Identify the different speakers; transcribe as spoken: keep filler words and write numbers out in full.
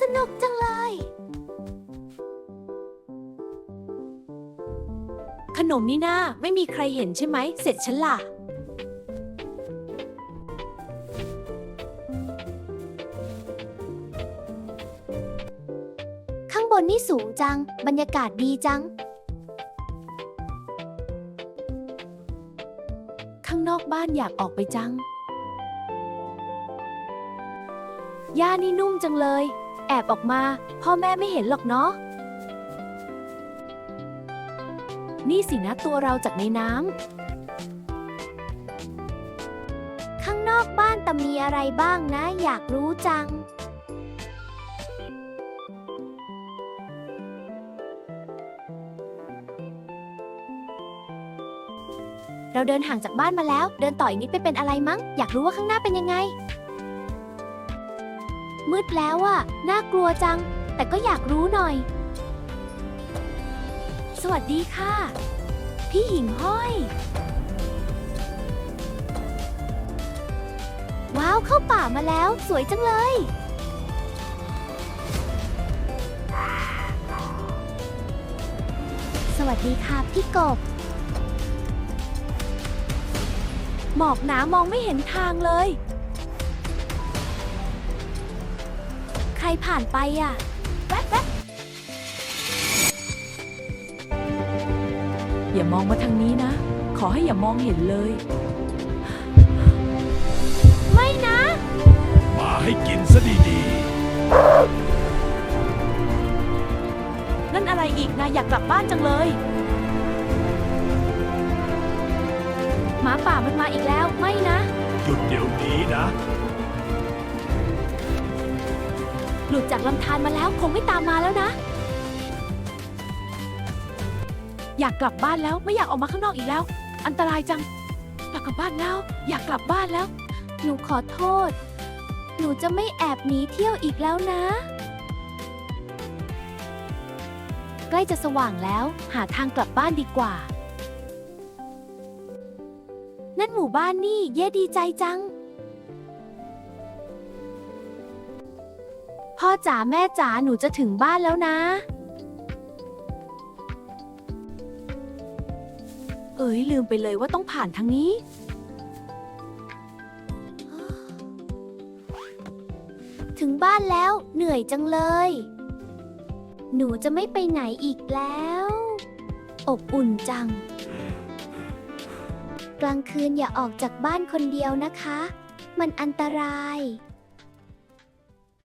Speaker 1: นุกจังเลย
Speaker 2: ขนมนี่นาไม่มีใครเห็นใช่ไหมเสร็จฉันล่ะ
Speaker 1: ข้างบนนี่สูงจังบรรยากาศดีจัง
Speaker 2: ข้างนอกบ้านอยากออกไปจังหญ้านี่นุ่มจังเลยแอบออกมาพ่อแม่ไม่เห็นหรอกเนาะนี่สินะตัวเราจากในน้ำ
Speaker 1: ข้างนอกบ้านแต่มีอะไรบ้างนะอยากรู้จัง เราเดินห่างจากบ้านมาแล้วเดินต่ออีกนิดไปเป็นอะไรมั้งอยากรู้ว่าข้างหน้าเป็นยังไงมืดแล้วอะน่ากลัวจังแต่ก็อยากรู้หน่อยสวัสดีค่ะพี่หิ่งห้อยว้าวเข้าป่ามาแล้วสวยจังเลยสวัสดีค่ะพี่กบ
Speaker 2: หมอกหนามองไม่เห็นทางเลย
Speaker 1: ใครผ่านไปอ่ะแว๊บแว๊บ
Speaker 2: อย่ามองมาทางนี้นะขอให้อย่ามองเห็นเลย
Speaker 1: ไม่นะ
Speaker 3: มาให้กินซะดี
Speaker 2: ๆนั่นอะไรอีกนะอยากกลับบ้านจังเลยหมาป่ามันมาอีกแล้วไม่นะ
Speaker 3: หยุดเดี๋ยวนี้นะ
Speaker 2: หลุดจากลำธารมาแล้วคงไม่ตามมาแล้วนะอยากกลับบ้านแล้วไม่อยากออกมาข้างนอกอีกแล้วอันตรายจังอยากกลับบ้านแล้วอยากกลับบ้านแล้ว
Speaker 1: หนูขอโทษหนูจะไม่แอบหนีเที่ยวอีกแล้วนะใกล้จะสว่างแล้วหาทางกลับบ้านดีกว่านั่นหมู่บ้านนี่เย่ดีใจจังพ่อจ๋าแม่จ๋าหนูจะถึงบ้านแล้วนะ
Speaker 2: เอ๋ยลืมไปเลยว่าต้องผ่านทางนี้
Speaker 1: ถึงบ้านแล้วเหนื่อยจังเลยหนูจะไม่ไปไหนอีกแล้วอบอุ่นจังกลางคืนอย่าออกจากบ้านคนเดียวนะคะมันอันตราย